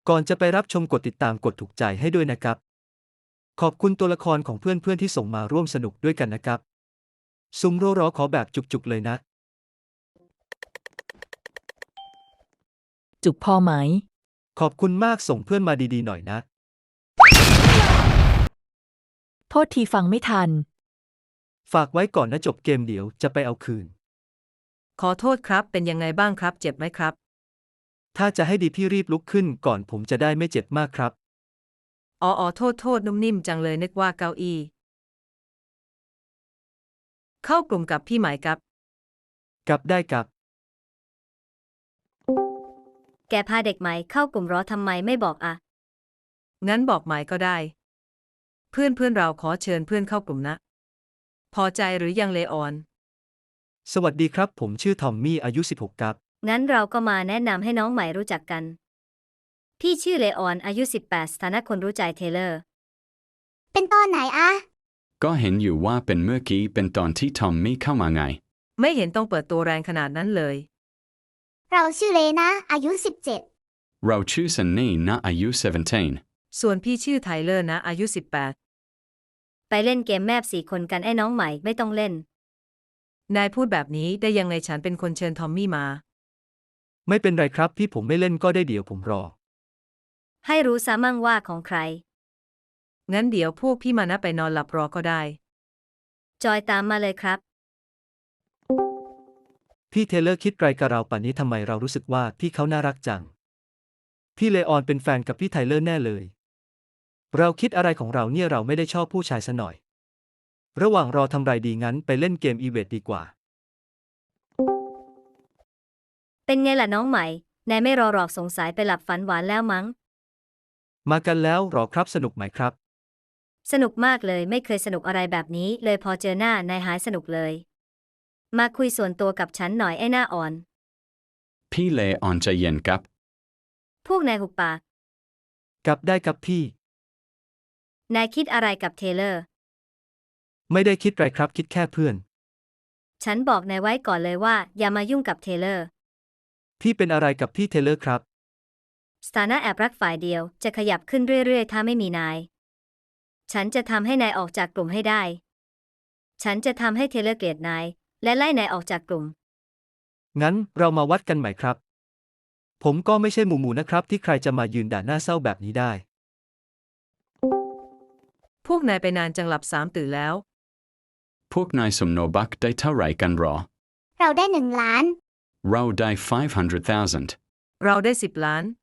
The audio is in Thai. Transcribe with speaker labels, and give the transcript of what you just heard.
Speaker 1: ก่อนจะไปรับชมกดติดตามกดถูกใจให้ด้วยนะครับขอบคุณตัวละครของเพื่อนๆที่ส่งมาร่วมสนุกด้วยกันนะครับซุมโรรอขอแบบจุกๆเลยนะ
Speaker 2: จุกพอไหม
Speaker 1: ขอบคุณมากส่งเพื่อนมาดีๆหน่อยนะ
Speaker 2: โทษทีฟังไม่ทัน
Speaker 1: ฝากไว้ก่อนนะจบเกมเดี๋ยวจะไปเอาคืน
Speaker 3: ขอโทษครับเป็นยังไงบ้างครับเจ็บไหมครับ
Speaker 1: ถ้าจะให้ดีพี่รีบลุกขึ้นก่อนผมจะได้ไม่เจ็บมากครับ
Speaker 3: อ๋อโทษนุ่มนิ่มจังเลยนึกว่าเก้าอี้เข้ากลุ่มกับพี่หมายครับ
Speaker 1: กับได้กับ
Speaker 4: แกพาเด็กใหม่เข้ากลุ่มรอทำไมไม่บอกอะ
Speaker 3: งั้นบอกหมายก็ได้เพื่อนเราขอเชิญเพื่อนเข้ากลุ่มนะพอใจหรือยังเลออน
Speaker 1: สวัสดีครับผมชื่อทอมมี่อายุ16ครับ
Speaker 4: งั้นเราก็มาแนะนำให้น้องใหม่รู้จักกันพี่ชื่อเลออนอายุ18สถานะคนรู้ใจเทเลอร์
Speaker 5: เป็นตอนไหนอะ
Speaker 6: ก็เห็นอยู่ว่าเป็นเมื่อกี้เป็นตอนที่ทอมมี่เข้ามาไง
Speaker 3: ไม่เห็นต้องเปิดตัวแรงขนาดนั้นเลย
Speaker 5: เราชื่อเลนะอายุ
Speaker 6: เราชื่อซันนี่นะอายุ17
Speaker 3: ส่วนพี่ชื่อไทเลอร์นะอายุ18
Speaker 4: ไปเล่นเกมแมป4 คนกันไอ้น้องใหม่ไม่ต้องเล่น
Speaker 3: นายพูดแบบนี้ได้ยังไงฉันเป็นคนเชิญทอมมี่มา
Speaker 1: ไม่เป็นไรครับพี่ผมไม่เล่นก็ได้เดี๋ยวผมรอ
Speaker 4: ให้รู้ซะมั่งว่าของใคร
Speaker 3: งั้นเดี๋ยวพวกพี่มานะไปนอนหลับรอก็ได้
Speaker 4: จอยตามมาเลยครับ
Speaker 1: พี่เทเลอร์คิดไกลกับเราป่านนี้ทำไมเรารู้สึกว่าพี่เขาน่ารักจังพี่เลออนเป็นแฟนกับพี่ไทเลอร์แน่เลยเราคิดอะไรของเราเนี่ยเราไม่ได้ชอบผู้ชายซะหน่อยระหว่างรอทำไรดีงั้นไปเล่นเกมอีเวนต์ดีกว่า
Speaker 4: เป็นไงล่ะน้องใหม่นายไม่รอหรอกสงสัยไปหลับฝันหวานแล้วมั้ง
Speaker 1: มากันแล้วหรอครับสนุกไหมครับ
Speaker 4: สนุกมากเลยไม่เคยสนุกอะไรแบบนี้เลยพอเจอหน้านายหายสนุกเลยมาคุยส่วนตัวกับฉันหน่อยไอ้หน้าอ่อน
Speaker 6: พี่เลออนใจเย็นครับ
Speaker 4: พวกนายหุบปาก
Speaker 1: กับได้กับพี่
Speaker 4: นายคิดอะไรกับเทเลอร์
Speaker 1: ไม่ได้คิดไรครับคิดแค่เพื่อน
Speaker 4: ฉันบอกนายไว้ก่อนเลยว่าอย่ามายุ่งกับเทเลอร์
Speaker 1: พี่เป็นอะไรกับพี่เทเลอร์ครับ
Speaker 4: สถานะแอบรักฝ่ายเดียวจะขยับขึ้นเรื่อยๆถ้าไม่มีนายฉันจะทำให้นายออกจากกลุ่มให้ได้ฉันจะทำให้เทเลอร์เกลียดนายและไล่นายออกจากกลุ่ม
Speaker 1: งั้นเรามาวัดกันใหม่ครับผมก็ไม่ใช่หมูนะครับที่ใครจะมายืนด่าหน้าเศร้าแบบนี้ได้
Speaker 3: พวกนายไปนานจังหลับ3ตื่นแล้ว
Speaker 6: พวกนายสมโนบักได้เท่าไหร่กันหรอ
Speaker 5: เราได้1 ล้าน
Speaker 6: เราได้500,000
Speaker 3: เราได้10 ล้าน